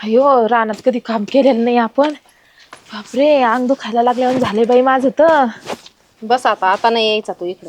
अयो रानात कधी काम केलेलं नाही आपण. बापरे अंग दुखायला लागल्यावर झाले बाई माझं तर. बस आता नाही यायचा तू इकडं.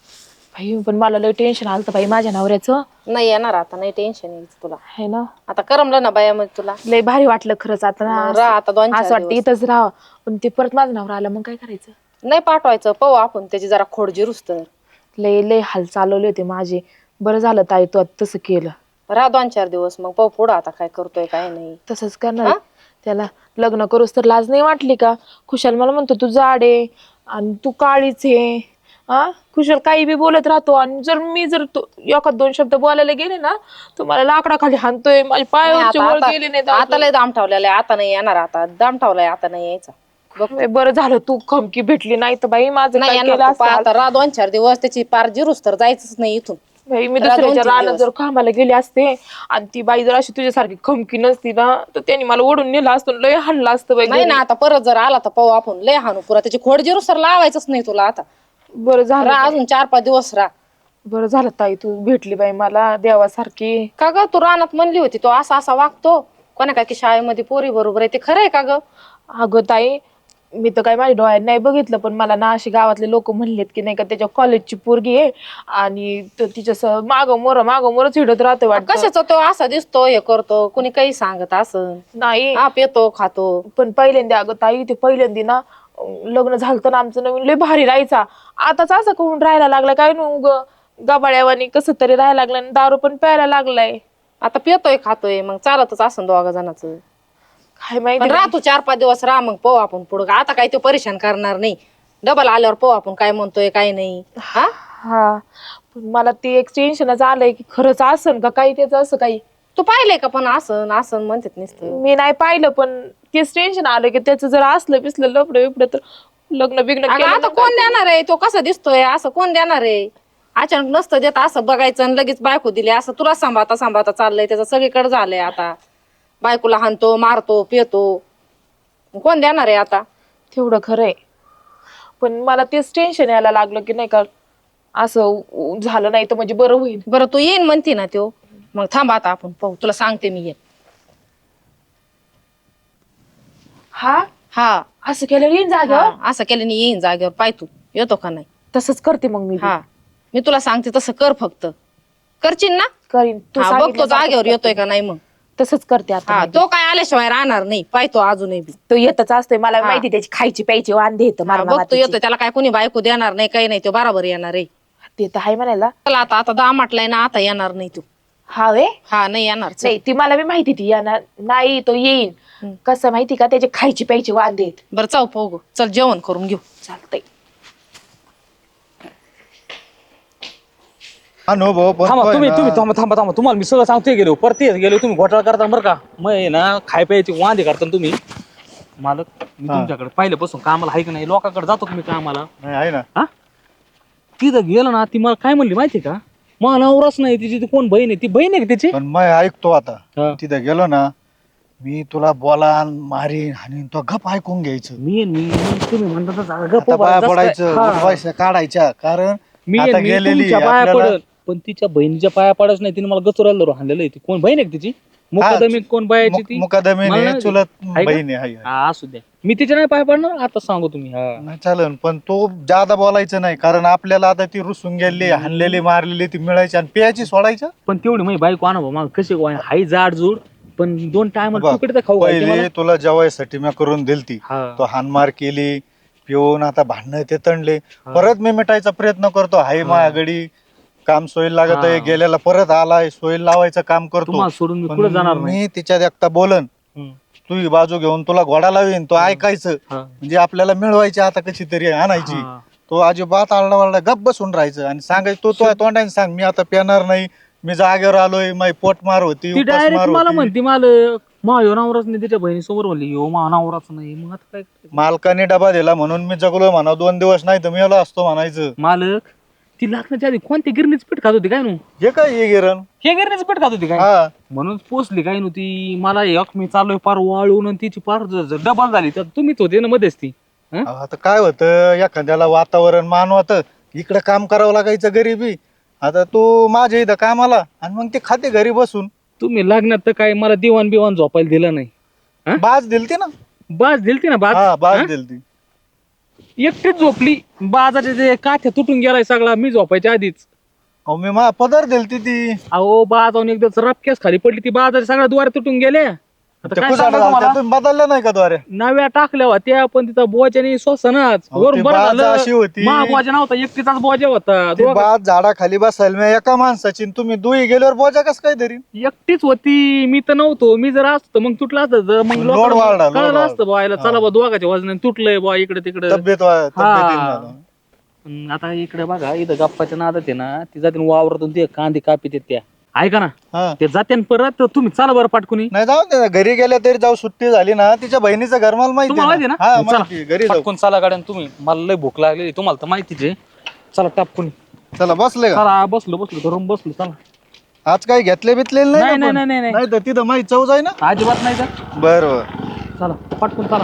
बाई पण मला लय टेन्शन आलं बाई माझ्या नवऱ्याचं. नाही येणार आता, नाही टेन्शन यायचं तुला. है ना. आता करमलं ना बायामध्ये तुला. लय भारी वाटलं खरंच आता मग राह आता 2-4 असं वाटतं दिवस. इथंच राहावं. पण ते परत माझं नवरा आलं मग काय करायचं. नाही पाठवायचं, पाहू आपण त्याची जरा खोड जिरूस तर. लय लय हाल चालवले होते माझे. बरं झालं ताई तू आता तसं केलं. राह 2-4 दिवस मग पाहू पुढं आता काय करतोय काय नाही. तसंच करणार. त्याला लग्न करूस तर लाज नाही वाटली का. खुशाल मला म्हणतो तू जाड आहे आणि तू काळीच आहे. खुशाल काही बी बोलत राहतो आणि मी जर एखाद 2 शब्द बोलायला गेले ना तुम्हाला लाकडाखाली हाणतोय. माझ्या पायावरचे वर गेले नाही. आता लय दाम ठेवलेला आहे, आता नाही येणार. आता दाम ठेवलाय, आता नाही यायचा. बरं झालं तू खमकी भेटली नाही तर बाई माझं नाही काय येणार केलं तू. आता राह 2-4 दिवस त्याची पार जिरूस तर जायचंच नाही इथून. बाई मी दुसऱ्याच्या रानात जर कामाला गेले असते आणि ती बाई जर अशी तुझ्यासारखी खमकी नसती ना तर त्यांनी मला ओढून नेलं असतं. लय हाणलं असतं बाई. नाही ना आता परत जर आला तर पाहू आपण. लय हाणू पुरा त्याची खोड जिरूस तर लावायचंच नाही तुला आता. बरं झालं. अजून 4-5 दिवस राह. बरं झालं ताई तू भेटली बाई मला देवासारखी. का ग तू रानात म्हणली होती तो असा असा वागतो कोणा काय की शाळेमध्ये पोरी बरोबर आहे, ते खरंय का ग? अगं ताई मी तर काय माझ्या डोळ्यात नाही बघितलं पण मला ना अशी गावातले लोक म्हणलेत की नाही का त्याच्या कॉलेजची पोरगी आहे आणि तिच्या मागं मोरच हिडत राहतो वाटतं. कशाचा तो असा दिसतो हे करतो कुणी काही सांगत असं नाही हा येतो खातो. पण पहिल्यांदा अगं ताई ते पहिल्यांदा ना लग्न झालं ना आमचं नवीन लय भारी राहायचा. आताच असं करून राहायला लागला काय नु गबाळ्यावानी कसं तरी राहायला लागलं आणि दारू पण प्यायला लागलाय. आता पितोय खातोय मग चालतच असं 2 जणांचं. काय माहिती. राह तू 4-5 दिवस राह मग पाहू आपण पुढं. आता काय तो परेशान करणार नाही. डबल आल्यावर पाहू आपण काय म्हणतोय काय नाही. हा पण मला ते एक टेन्शनच आलंय की खरंच असन का काही त्याचं असं काही. तू पाहिलंय का पण असं असं म्हणतात नुसतं. मी नाही पाहिलं पण तेच टेन्शन आलं की त्याचं जर असलं बिसलं लफडं बिफडं तर लग्न बिग्न आता कोण देणार आहे, तो कसा दिसतोय असं कोण देणार आहे. अचानक नसतं देत असं बघायचं आणि लगेच बायको दिली असं तुला सांभाळता चाललंय त्याचं सगळीकडे झालंय. आता बायकोला हाणतो मारतो पितो, कोण देणार आहे आता. तेवढं खरंय पण मला तेच टेन्शन यायला लागलं की नाही का असं झालं नाही तर म्हणजे बरं होईल. बरं तू येईन म्हणते ना तो, मग थांब आता आपण पाहू. तुला सांगते मी येईन. हा असं केलं येईन जागेवर. असं केल्याने येईन जागेवर. पाय तू येतो का नाही. तसंच करते मग मी. मी तुला सांगते तसं कर, फक्त करशील ना. करीन तू बघ तो जागेवर येतोय का नाही. मग तसंच करते आता. तो काय आल्याशिवाय राहणार नाही. पाय तो अजूनही बी तो येतच असतोय मला माहिती. त्याची खायची प्यायची वांदे येतं बघ तो येतोय. त्याला काय कोणी बायको देणार नाही काही नाही. तो बरोबर येणार आहे. ते तर आहे म्हणायला. चला आता दामाटलाय ना, आता येणार नाही तू. नाही येणार. नाही ती मला बी माहिती ती येणार नाही. तो येईन कसं माहिती का त्याची खायची प्यायची वांदे आहेत. बरं चाव पाहू. चल जेवण करून घेऊ. चालतंय. थांबा तुम्हाला मी सगळं सांगतोय. गेलो तुम्ही घोटाळा करता बरं का. मग ना खाय प्यायची वांदे करता तुम्ही. मालक मी तुमच्याकडे पहिल्यापासून कामाला आहे की नाही. लोकांकडे जातो तुम्ही कामाला आहे ना. तिथं गेलं ना ती मला काय म्हणली माहिती का. मला नवराच नाही तिची. ती कोण बहीण आहे. ती बहीण आहे का त्याची. पण मग ऐकतो आता तिथं गेलो ना मी तुला बोला मारीन आणि तो गप ऐकून घ्यायचं. मी तुम्ही म्हणता पाया पडायचं पैसा काढायच्या. कारण मी आता गेलेली पाया पडत पण तिच्या बहिणीच्या पाया पडच नाही. तिने मला गचुराला हाणलेलं आहे. ती कोण बहीण आहे तिची. मुकादमी कोण बायाची ती. मुकादमी चुलत बहीण आहे. असू द्या मी तिच्या नाही पाय पडणार. आता सांगू तुम्ही. नाही चालेल पण तो जादा बोलायचं नाही. कारण आपल्याला आता ती रुसून गेली हाणलेली मारलेली ती मिळायची आणि प्यायची सोडायचं. पण तेवढी माझी बायको आणा मग कशी हाय जाड जूड पण 2 टाइम खाऊ. पहिले तुला जेवायसाठी मी करून दिलती. तो हानमार केली पिऊन आता भांडणं ते तणले. परत मी मिटायचा प्रयत्न करतो. हाय माझ्याकडे काम सोयी लागत आहे. गेलेला परत आलाय सोयी लावायचं काम करतो. सोडून मी जाणार मी तिच्यात एकटा बोलन तू बाजू घेऊन तुला घोडा लावीन. तो ऐकायचं म्हणजे आपल्याला मिळवायची आता कशी तरी आणायची. तो अजिबात आरडा वारडा गप बसून राहायचं आणि सांगायचं तो तोंडाने सांग मी आता पेणार नाही. मी जागेवर आलोय. माझी पोट मार होती मला म्हणते मालक माझ्या नवराच नाही. तिच्या बहिणीसमोर म्हणली हो मा नवराच नाही. मग आता काय मालकाने डबा दिला म्हणून मी जगलोय म्हणा. 2 दिवस नाही तर मी आलो असतो म्हणायचं. मालक ती लागण्याच्या आधी कोणती गिरणीच पीठ खात होती काय नु. हे काय हे गिरण हे गिरणीच पीठ खात होती काय. म्हणून पोचली काय नव्हती. मला एक मी चाललोय पार वाळून तिची पार डबल झाली. तर तुम्हीच होते ना मध्येच ती. आता काय होतं एखाद्याला वातावरण मानवत इकडे काम करावं लागायचं गरिबी. आता तू माझ्या इथं कामाला आणि मग ते खाते घरी बसून. तुम्ही लग्नात तर काय मला दिवाण बिवान झोपायला दिलं नाही. हा? बाज दिलती ना. बाज दिलती ना हा बाज बाज हा? दिलती. एकटीच झोपली. बाजाचे जे काठ्या तुटून गेलाय सगळा मी झोपायच्या आधीच. अहो मी पदर दिलती ती. अहो बाजावून एकदा रपक्याच खाली पडली ती बाजाचे सगळ्या द्वारे तुटून गेल्या. आता ते काय कुसाड सांगायचं झालं तुम्हाला? तुम्ही बदलल्या नाही का द्वारे. नव्या टाकल्या होत्या पण तिचा बोजाने श्वसनच अहो, वरून ती बरं बाज झालं अशी होती. महाबोजा नव्हता एकटीचाच बोजा होता. ती बाज झाडाखाली बसायला मी एका माणसाची आणि तुम्ही दुई गेल्यावर बोजा कस काय धरी. एकटीच होती. मी तर नव्हतो. मी जर असतो मग तुटलं असतं तर मग लोड लोकांना वाढला, लोड कळलं वाढला. असतं बुवायला चला बा दोघाच्या वजनाने तुटलंय बुवा इकडे तिकडे. तब्येतीनं. आता इकडे बघा इथं गप्पाच्या नादात आहे ना ती जाते वावरातून ते कांदे कापी त्या ऐका ना हा. ते जाते परत तर तुम्ही चला बरं पाटकुनी. नाही जाऊ दे, घरी गेल्या तरी जाऊ. सुट्टी झाली ना तिच्या बहिणीचं घर मला माहिती तुम्हाला माहिती आहे ना ना. हा चला, माहिती आहे. घरी जाऊ. पटकून चला गाड्यान तुम्ही. मला लय भूक लागली तुम्हाला तर माहितीच आहे. चला टापकुनी. चला बसले का. चला बसलो धरून बसलो चला. आज काही घेतले बितलेले नाही, नाही ना नाही, पण? नाही, नाही, नाही. नाही तर तिथं माहिती चव जाय ना. अजिबात नाही तर बरोबर. चला पटकून चला.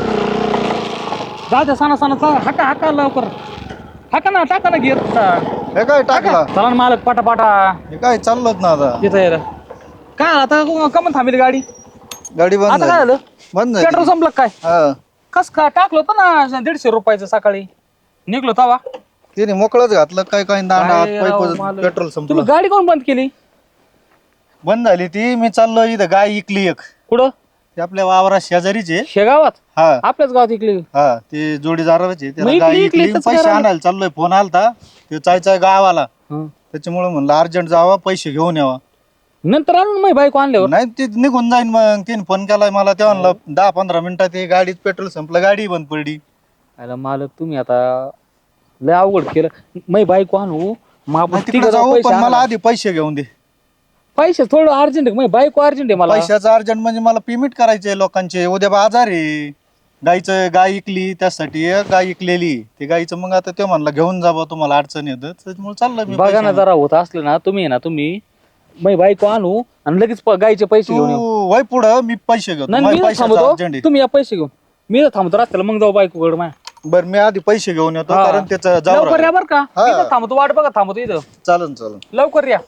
जा सणा चला हाका हाका लवकर. हाका ना टाका ना घेत हे काय टाकला. चला ना मालक पाटा हे काय चाललंच ना आता. येत यायला. काय आता कमन थांबली गाडी. गाडी बंद आता काय झाली. झालं बंद झाली. पेट्रोल संपलं काय. हा कस काय टाकलं होतं ना 150 रुपयाचं सकाळी निघलो तवा. तिने मोकळच घातलं काय काय दांडा काय राव पाईप मालक. पेट्रोल तुम्ही संपलं. गाडी कोण बंद केली. बंद झाली ती. मी चाललो इथं गाय इकली एक. कुठं ती आपल्या वावरा शेजारीचे. शेगावात हा आपल्याच गावात इकली. हा ते जोडीदाराचे. त्याला मग गाय इकली इकली तसं पैसे करायला. आणायला चाललोय. फोन आलता ते चायचा गावाला. हं. त्याच्यामुळे म्हणलं अर्जंट जावा पैसे घेऊन यावा. नंतर आणून माझी बायको आणल्यावर नाही ती निघून जाईन. मग तिने फोन केलाय मला. तेव्हा म्हणलं 10-15 मिनिटात ते गाडीत पेट्रोल संपलं. गाडी बंद पडली. आला मालक तुम्ही आता लय अवघड केलं. माझी बायको आणू मग आपण तिकडे तिघं जाऊ जाऊ पैसे पण मला आणायला. आधी पैसे घेऊन दे. पैसे थोडं अर्जंट आहे माझी बायको अर्जंट आहे मला. पैशाचं अर्जंट म्हणजे मला पेमेंट करायचे लोकांचे. उद्या बाजार आहे. गायचं गाय इकली त्यासाठी एक गाय इकलेली. ते गायचं मग आता ते म्हणलं घेऊन जा बा तुम्हाला अडचण येत. त्याच्यामुळे चाललं मी बघा पैसे ना आणायला. जरा होत असलं ना तुम्ही ना तुम्ही माझी बायको आणू आणि लगेच गायचे पैसे घेऊन येऊ. तू वय पुढं मी पैसे घेतो. नाही माझ्या मी पैशाचं थांबतो अर्जंट आहे. तुम्ही या पैसे घेऊन. मी तर थांबतो रस्त्याला मग जाऊ बायकोकडे माझ्या. बरं मी आधी पैसे घेऊन येतो. हा. कारण त्याचं जाऊ लवकर या बरं का. हा. इथं थांबतो वाट बघा थांबतो इथं. चालन. लवकर या.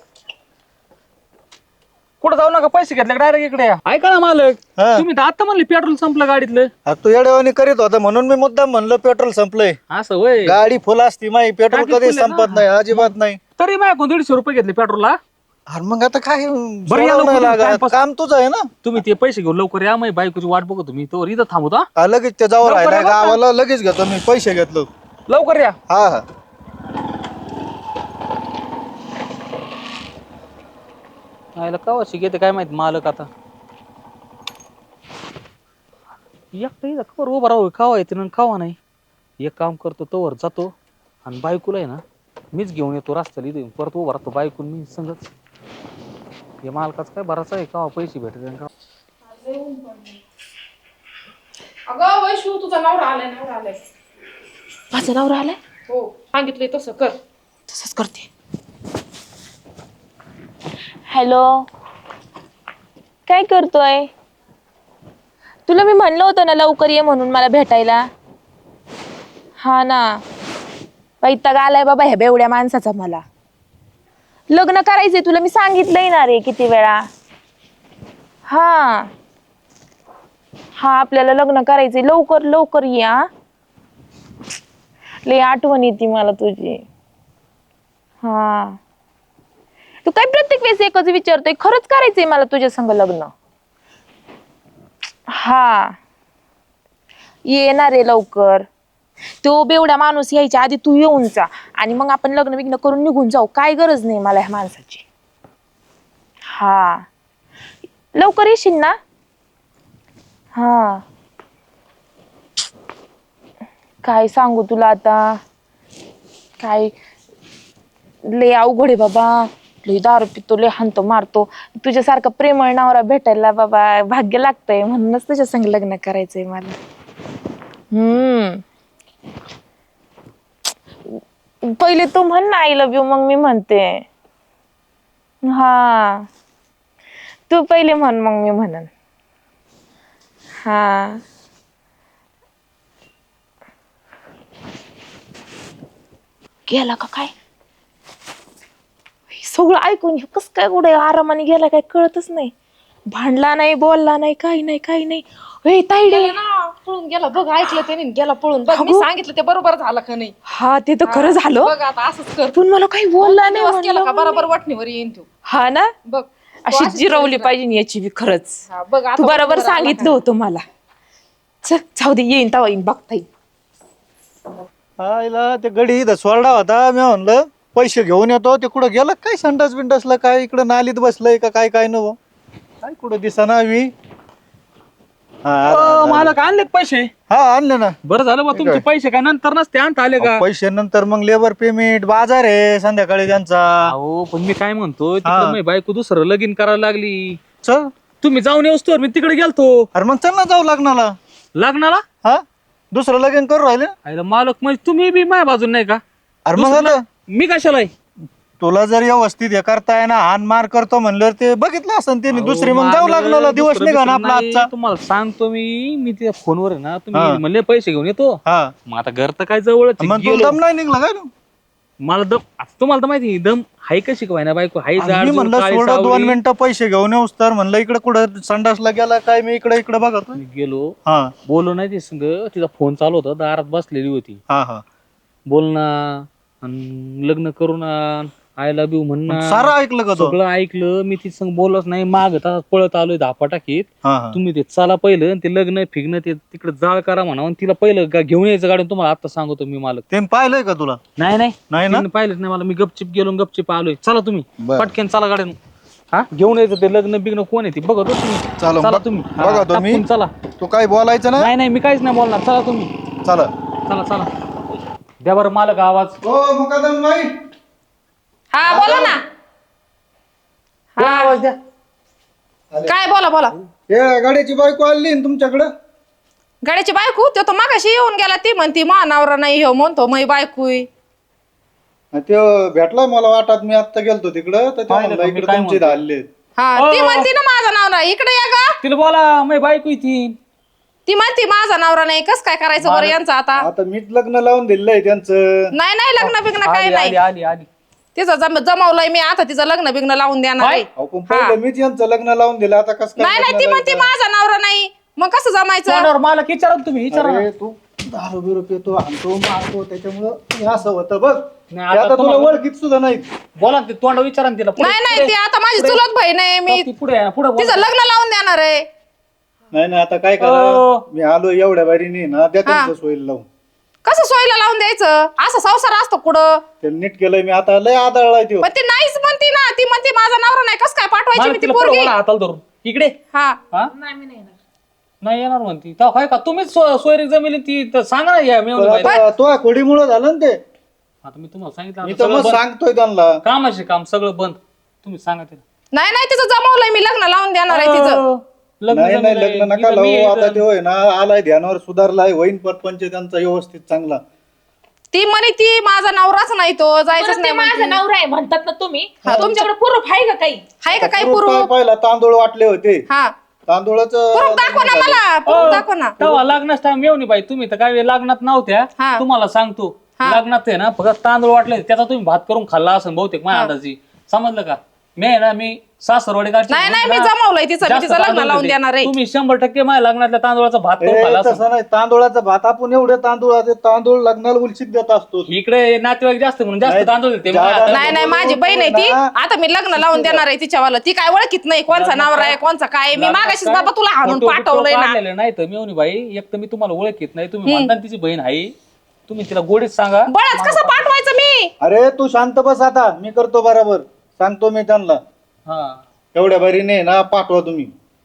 कुठं जाऊ नका पैसे घेतले डायरेक्ट इकडे या. ऐका ना मालक हा. तुम्ही तर आता म्हणले पेट्रोल संपलं गाडीतलं. हा, तू येड्यावानी करीत होता म्हणून मी मुद्दाम म्हणलं पेट्रोल संपलंय. असं होय. गाडी फुल असती माही. पेट्रोल टाकी कधी फुल आहे संपत ना. नाही अजिबात नाही. तरी माझ्याकडून 150 रुपये घेतले पेट्रोलला. अरे मग आता काय या सोडावं लवकर नाही लागत. टाइमपास. काम तुझं आहे ना. तुम्ही ते पैसे घेऊन लवकर या माझी बायकोची वाट बघतो तुम्ही तो इथं थांबतो. हा, लगेच ते जाऊ लवकर राहिलाय या बरं का? गावाला. लगेच घेतो मी पैसे घेतलो. लवकर या. हा आयला कवा शिकेते काय माहित मालक आता. एकटा इथं कवर उभा राहू खावा येते ना खावा नाही. एक काम करतो तोवर जातो आणि बायकोला आहे ना मीच घेऊन येतो रस्त्याला इथे परत उभा राहतो बायकून मी संगच. हे मालकाच काय भरायचं आहे का पैसे भेटत का. अगं वैशू तुझा नवरा आलाय. माझा नवरा आलाय. हो सांगितलंय तसं कर. तसंच करते. हॅलो काय करतोय. तुला मी म्हणलं होतं ना लवकर ये म्हणून मला भेटायला. हा ना वैताग आलाय बाबा ह्या बेवड्या माणसाचा. मला लग्न करायचंय तुला मी सांगितलंय ना रे किती वेळा. हा आपल्याला लग्न करायचंय. लवकर ये. हा लय आठवण येते मला तुझी. हा तू काय प्रत्येक वेळेस एकच विचारतोय. खरंच करायचंय मला तुझ्या संग लग्न. हा येणार आहे लवकर. तो बेवडा माणूस यायच्या आधी तू येऊन जा आणि मग आपण लग्न बिग्न करून निघून जाऊ. काय गरज नाही मला ह्या माणसाची. हा लवकर येशील ना. हा काय सांगू तुला आता. काय लय अवघड आहे बाबा. लय दारू पितो लय हाणतो मारतो. तुझ्यासारखा प्रेमळ नवरा भेटायला बाबा भाग्य लागतंय. म्हणूनच तुझ्या संग लग्न करायचंय मला. पहिले तू म्हण ना आय लव्ह यू मग मी म्हणते. हा तू पहिले म्हण मग मी म्हणन. हा गेला का काय. सगळं ऐकून कस काय कुठे आरामाने गेला काय कळतच नाही. भांडला नाही, बोलला नाही, काही नाही, काही नाही. ए ताईडे, गेला ना, पळून गेला बघ, ऐकलं त्याने गेला पळून बघ. मी सांगितलं ते बरोबर झालं का नाही? हा ते तर खरं झालं. बघ आता असंच कर. पण मला काही बोलला नाही दिवस केला का म्हणलं. बरोबर वटणीवर येईन तू. हा ना, बघ अशी जिरवली पाहिजे याची बी खरंच. हा, बघ आता तू बरोबर वटणीवर आला सांगितलं होतं मला. चल जाऊ दे, येईन तवा येईन बघता येईल. आईला ते गडी इथं सोरडा होता. मी म्हणलं पैसे घेऊन येतो. ते कुठं गेलं काय संडास बिंडासला काय इकडं नालीत बसलंय का काय काय नव काय कुठं दिसाना मी. मालक आणले का पैसे? हा आणले ना. बरं झालं बा, तुमचे पैसे काय नंतर नसते आणता आले का? पैसे नंतर मग लेबर पेमेंट बाजार आहे संध्याकाळी त्यांचा. अहो पण मी काय म्हणतो, तिकडे माझी बायको दुसरं लगीन करायला लागली. चल तुम्ही जाऊन येऊस तर मी तिकडे गेलतो अरे मग चल ना जाऊ लग्नाला. लग्नाला. हा दुसरं लगीन करू राहिले. आयला मालक म्हणजे तुम्ही बी माझ्या बाजून नाही का? अरे मग आता मी कशाला आहे? तुला जर व्यवस्थित हे करताय ना हान मार करतो म्हणलं ते बघितलं असं त्यांनी दुसरी मग जाऊ मालक, लग्नाला. दिवस दुसरं निघा ना बिसरं आपला नाही. आजचा. तुम्हाला सांगतो मी त्या फोनवर आहे ना, हा. तुम्ही म्हणले पैसे घेऊन येतो. हा मग आता घर तर काय जवळच आहे. मग तुला गेलो. दम नाही निघला काय तू? मला दम आता तुम्हाला तर माहिती आहे, दम हाय का शिकवाय ना बायको हाय आणि जाड मी जूड, म्हणलं काळी सोडा 2 सावळी. मिनिटं पैसे घेऊन येऊस तर म्हणलं इकडे कुठं संडासला गेला काय मी इकडे इकडे बघत. मी गेलो हा बोललो नाही ते संग, तिचा फोन चालू होता, दारात बसलेली होती. हा हा बोलणं आणि लग्न करून आय लव्ह यू म्हणणं सारं ऐकलं का तो? सगळं ऐकलं. मी ती संग बोलच नाही, माग पळत आलोय धापा टाकीत. हा हा तुम्ही ते चला पहिलं आणि ते लग्न फिरणं ते तिकडे जाळ करा म्हणा आणि तिला पहिलं घेऊन यायचं गाडी. तुम्हाला आता सांगतो मी मालक. ते पाहिलंय का तुला? नाही नाही नाही ना? तिने पाहिलंच नाही मला. मी गपचिप गेलो आणि गपचिप आलोय. चला तुम्ही बरं. पटकन चला गाड्यानं. हा घेऊन यायचं ते लग्न बिग्न कोण आहे ती बघतो तुम्ही. चला, चला बघ- तुम्ही. बघा हा, तुम्ही. टाकून चला. तू काय बोलायचं ना? नाही नाही मी काहीच नाही बोलणार. चला तुम्ही. चला. चला चला द्या बरं मालक आवाज. हो मुकादम बाई. हा बोला ना. द्या आवाज द्या. काय बोला बोला. हे गाड्याची बायको आली ना तुमच्याकडं? गाड्याची बायको तो मागाशी येऊन गेला. ती म्हणती मा नवरा नाही हो म्हणतो मै बायको. ते भेटलाय मला वाटत. मी आता गेलतो तिकडं तर ते पाहिलं म्हणलं का मी इकडे काय तुमचे म्हणतो? हल्ले. हा ती म्हणती ना माझा नवरा इकडे या गा. तिला बोला मी बायको ती. ती म्हणती माझा नवरा नाही. कस काय करायचं बरं यांचं आता? आता मीच लग्न लावून दिलंय त्यांचं. नाही नाही लग्न बिग्न काही आली नाही. आली आली आली. तिचं जमवलंय मी आता. तिचं लग्न बिग्न लावून देणार आहे. अहो, पण पहिलं मीच यांचं लग्न लावून दिलं. आता कसं नाही नाही ती म्हणती माझा नवरा नाही. मग कसं जमायचं? तोंडावर मालक विचारा ना तुम्ही. विचारा ना. अरे तू दारू बिरू पितो आणतो मारतो त्याच्यामुळं हे असं होतं बघ. नाही, ते आता आता तुला तुम्हाला- ओळखीत सुद्धा नाही. बोला ना ते तोंडावर विचारा ना तिला. पुढे- नाही नाही ती आता माझी चुलत बहीण आहे. मी ती पुढे आहे ना, पुढे बोला. तिचं लग्न लावून देणार आहे. नाही नाही आता काय करा. मी आलो एवढ्या बारीने ना त्या त्यांचं सोयीला लावून. कसं सोयीला लावून द्यायचं? असं संसार असतो कुठं? ते नीट केलंय मी. आता लय आदळलाय तो. पण ती नाहीच म्हणती ना. ती म्हणते माझा नवरा नाही. कसं काय पाठवायची मालक मी ती तिला पुढे पोरगी? बोला हाताला धरून. इकडे हा हा नाही येणार म्हणती. तेव्हा काय का तुम्हीच सोयरी जमिली ती तर सांगा ना या मेवणी बाईला. आता तो खोडीमुळं झालं ना ते. आता मी तुम्हाला सांगितलं मी आता तर सगळं मग बंद. सांगतोय त्यांना. कामाचे काम सगळं बंद. तुम्ही सांगा तिला. नाही नाही तिचं जमवलंय मी. लग्न लावून देणार आहे तिचं. लग्न नाही नाही जमलंय. लग्न नका इथं मी लावू. आता इथं- ते होय ना आलाय ध्यानावर सुधारलाय. होईन परपंच त्यांचा व्यवस्थित चांगला. ती म्हणे ती माझा नवराच नाही. तो जायचंच परत ते नाही माझा म्हणती. नवरा आहे म्हणतात ना तुम्ही. हा, तुमच्याकडे प्रूफ आहे का काही? आहे का काही पुरुष पुरुष? काय पाहिला तांदूळ वाटले होते. हा तांदूळाचं पुरुष दाखवा ना मला. पुरुष दाखवा ना. तेव्हा लग्नाच टाइम येऊ बाई. तुम्ही तर काय लग्नात नव्हत्या. हा. तुम्हाला सांगतो लग्नात आहे ना फक्त तांदूळ वाटले त्याचा तुम्ही भात करून खाल्ला असं बहुतेक माझ्या अंदाजी. समजलं का? मी आहे ना मी सासरवाडी नाही नाही मी जमवलंय तिचं. मी तिचं लग्न लावून देणार आहे. तुम्ही 100% माझ्या लग्नातल्या तांदूळाचा भात करून ए, खाल्ला असेल. तसं नाही. तांदूळाचा भात आपण एवढे तांदूळ लग्नाला उलशीत देत असतो. इकडे नातेवाईक जास्त म्हणून जास्त नाही, तांदूळ देते. जादा- मला नाही नाही माझी बहीण आहे ती. आता मी लग्न लावून देणार आहे तिच्यावाला. ती काय ओळखीत नाही कोणचा नवरा आहे कोणचा काय आहे. मी मागाशीच बाबा तुला हाणून पाठवलंय ना. नाही तर मेवणी बाई एक तर मी तुम्हाला ओळखीत नाही. तुम्ही म्हणता ना तिची बहीण आहे. तुम्ही तिला गोडीत सांगा. बळच कसं पाठवायचं मी? अरे तू शांत बस आता. मी करतो बरोबर. सांगतो मी त्यांना. हा एवढ्या बारीने ना पाठवा तुम्ही.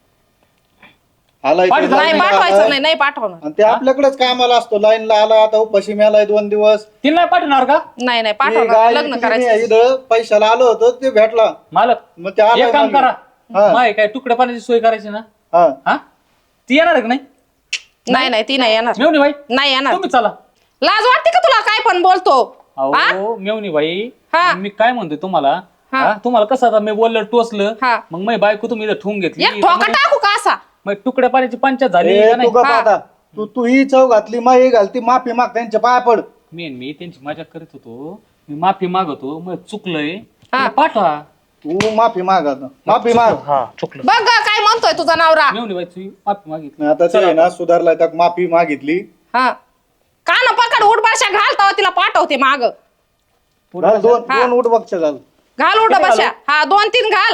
आलाय ते पाठवा. नाही लाईनला पाठवायचं आलाय. नाही. नाही पाठवणार. आणि ते आपल्याकडेच कामाला असतो. लाईनला आला आता उपाशी मेलाय 2 दिवस. तिला नाही पाठवणार का नाही नाही ते पाठवणार. गाय लग्न विकली करायचं. नाही. इथं पैशाला आलो होतो ते भेटला. मालक? मग ते आलाय एक काम मागे. करा. हा. माय काय तुकडे पाण्याची सोय करायची ना. हा. हा ती येणार आहे का नाही नाही नाही ती नाही येणार. मेवणी बाई? नाही येणार. तुम्ही चला. लाज वाटते का तुला? काय पण बोलतो. अहो मेवणी बाई हा. मी काय म्हणतोय तुम्हाला. हा. हा, तुम्हाला कसं आता मी बोललं टोचलं. हा. मग मी बायको तुम्ही इथं ठेवून घेतली. एक ठोका टाकू का असा? मग तुकड्या पाण्याची पंचायत झाली ए, का नाही? तू गप आता. तू ही चव घातली माई घालती माफी माग त्यांच्या पाया पड. मी त्यांची मजा करीत होतो. मी माफी मागवतो. मग चुकलंय हा. पाठवा. तू माफी माग आता, माफी माग. हा चुकलं. बघ ग, काय म्हणतोय तुझा नवरा. मेवणी बाई तुझी माफी मागितली. आता ते आहे ना सुधारलाय तर माफी मागितली. हा कान पकड उठबाशा घाल तेव्हा तिला पाठवते माग. घाल दोन उठ बघ घाल. घाल उठबाशा. हा 2-3 घाल.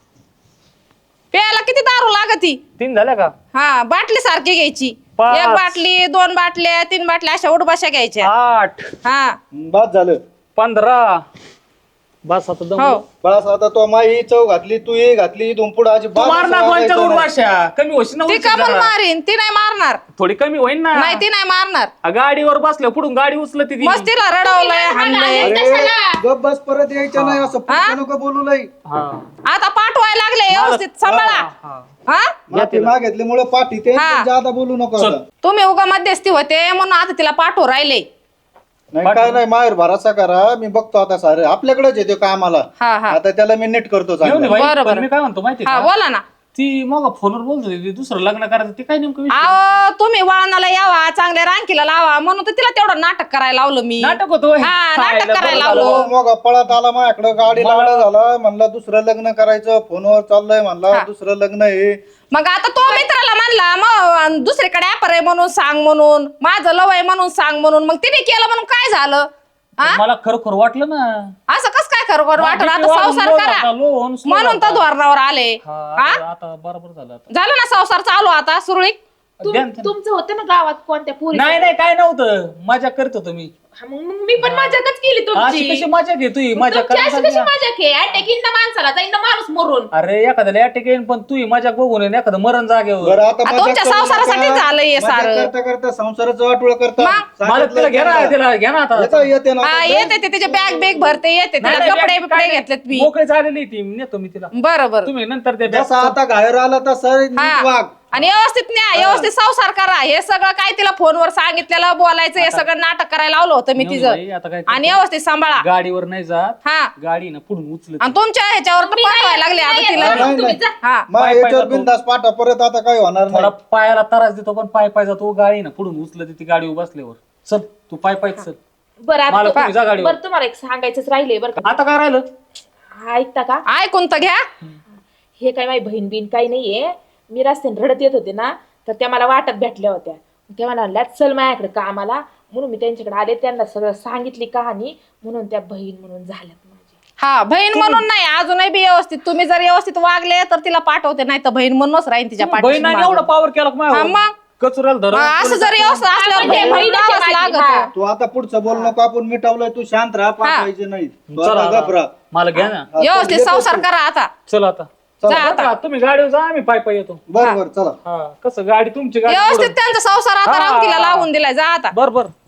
प्यायला किती दारू लागती. 3 झाल्या का? हा बाटली सारखी घ्यायची. 5. 1 बाटली 2 बाटल्या 3 बाटल्या अशा उठबाशा घ्यायच्या. 8 हा बाद झालं. 15 बस आता दम. हो बस आता तो माई चव घातली, तू ये घातली, इथून पुढे अशी तू मार ना दोनच्या उडवाशा कमी होशील ना ती उंची का म्हणून जरा. मारीन. ती नाही मारणार. थोडी कमी होईन ना. नाही ती नाही मारणार. गाडीवर बसल्या पुढून गाडी उचलत ती. मस्त तिला रडवलंय हाणलंय. अरे गप बस, परत यायच्या नाही असं पुढचं नको बोलू लई. हा. आता पाठवायला लागले व्यवस्थित सांभाळा. हा. हा माफी मागितल्यामुळे पाठी ते हा. जादा बोलू नको चल. आता. तुम्ही उगा मध्यस्थी होते म्हणून आता तिला पाठवू राहिले. नाही काय नाही, माहेर भरासा करा, मी बघतो आता सारे आपल्याकडेच येते कामाला. हा हा आता त्याला मी नीट करतो मेवणी चांगलं. बाई, बरं, पण बरं. मी काय म्हणतो माहिती हा का बोला ना. ती मग फोनवर बोलत होती ती दुसरं लग्न करायचं ते काय नेमकं विषय? अहो तुम्ही वळणाला यावा चांगल्या रांकीला लावा म्हणून तर तिला तेवढं नाटक करायला लावलं मी. नाटक होतो होय. हा नाटक खायला करायला बरं लावलं. मग पळत आला माझ्याकडे, गाडी लावला झाला, म्हणला दुसरं लग्न करायचं, फोनवर चाललंय म्हणला हा. दुसरं लग्न आहे. मग आता तो मित्राला म्हणला मग दुसरीकडे ऍपर आहे म्हणून सांग म्हणून माझं लव आहे म्हणून सांग म्हणून मग तिने केलं म्हणून काय झालं. हा मला खरोखर वाटलं ना. असं कस काय खरोखर वाटलं. आता वाढून संसार लोन करा आता, लोन slow म्हणून तर आता. धोरणावर आले. हा, हा आता बरोबर झालं आता. झालं ना संसार चालू आता सुरळीत. द्या ना. तुमचं होतं ना गावात कोणत्या पुरी नाही नाही काय नव्हतं मजा करत होतो मी. मग मी पण मजाकच केली अशी तुमची. कशी मजा घे तू मजा तुमची अशी करायला कशी मजाक आहे? अटॅक येईन ना माणसाला, जाईन ना माणूस मरून. अरे एखाद्याला अटॅक येईन पण तू मजा बघून येईन एखादं मरण जागेवर. बरं आता आ, मजाक तुमच्या करू संसारासाठी नका. झालंय हे मजाक सारं. करता करता संसाराचं वाटोळ करता. मग? मला तिला घ्या ना तिला घ्या ना आता. येतं, येते ना हा आता. येते ते तिचे बॅग बेग भरते येते नाही, तिला नाही, कपडे काय बिपडे नाही. घेतलेत मी. मोकळे झालेली ती नेतो मी तिला. बरं बरं तुम्ही नंतर ते जसा आता बाहेर आला तसं नीट हा वाग. आणि व्यवस्थित न्या व्यवस्थित संसार करा. हे सगळं काय तिला फोनवर सांगितलेलं बोलायचं हे सगळं नाटक करायला लावलं होतं मी बाई, तिचं. आता काय आणि व्यवस्थित सांभाळा. गाडीवर नाही जात हा गाडी ना पुढून उचलत. आणि तुमच्या ह्याच्यावर तर पाठवायला लागले आता तिला. नाही, नाही. हा मग पाय याच्यावर जातो. बिंदास पाठा, परत आता काही होणार थोडा नाही. पायाला त्रास देतो पण पाय जातो गाडी ना पुढून उचलत ती गाडी बसल्यावर. चल तू पाय चल. बरं आता मला तुम्ही जा गाडीवर. बरं तुम्हाला एक सांगायचंच राहिले बरं आता काय राहिलं? का. ऐकता का? ऐकून तर घ्या. हे काय माझी बहीण बिन काही नाहीये. मी रस्त्याने रडत येत होते ना, तर त्या मला वाटत भेटल्या होत्या. त्या मला म्हणल्या चल माझ्याकडे कामाला, म्हणून मी त्यांच्याकडे आले. त्यांना सगळं सांगितली कहाणी, म्हणून त्या बहीण म्हणून झाल्यात माझी. हा बहीण म्हणून नाही अजूनही बी व्यवस्थित तुम्ही जर व्यवस्थित वागले तर तिला पाठवते नाही तर बहीण म्हणूनच राहीन तिच्या पाठीशी बहिणाने मागं. एवढा पावर केला का हा, माझ्यावर? मग? कचऱ्याला धर. हा, असं जर व्यवस्थित असल्यावर म्हणजे बहीण बहीणच आहे लावावंच माझी, लागतं. हा. तू आता पुढचं बोल नको, आपण मिटवलंय, तू शांत राहा, पाठवायचे नाही. तू चला आता गप राहा. आता. मला घ्या ना. व्यवस्थित संसार करा आता. चल आता. जा आता. तुम्ही गाडीवर जा आम्ही पाय येतो. बर बर चला. हा कसं गाडी तुमची गाडी व्यवस्थित त्यांचा संसार आता हा. रांकीला लावून दिलाय. जा आता. बर बर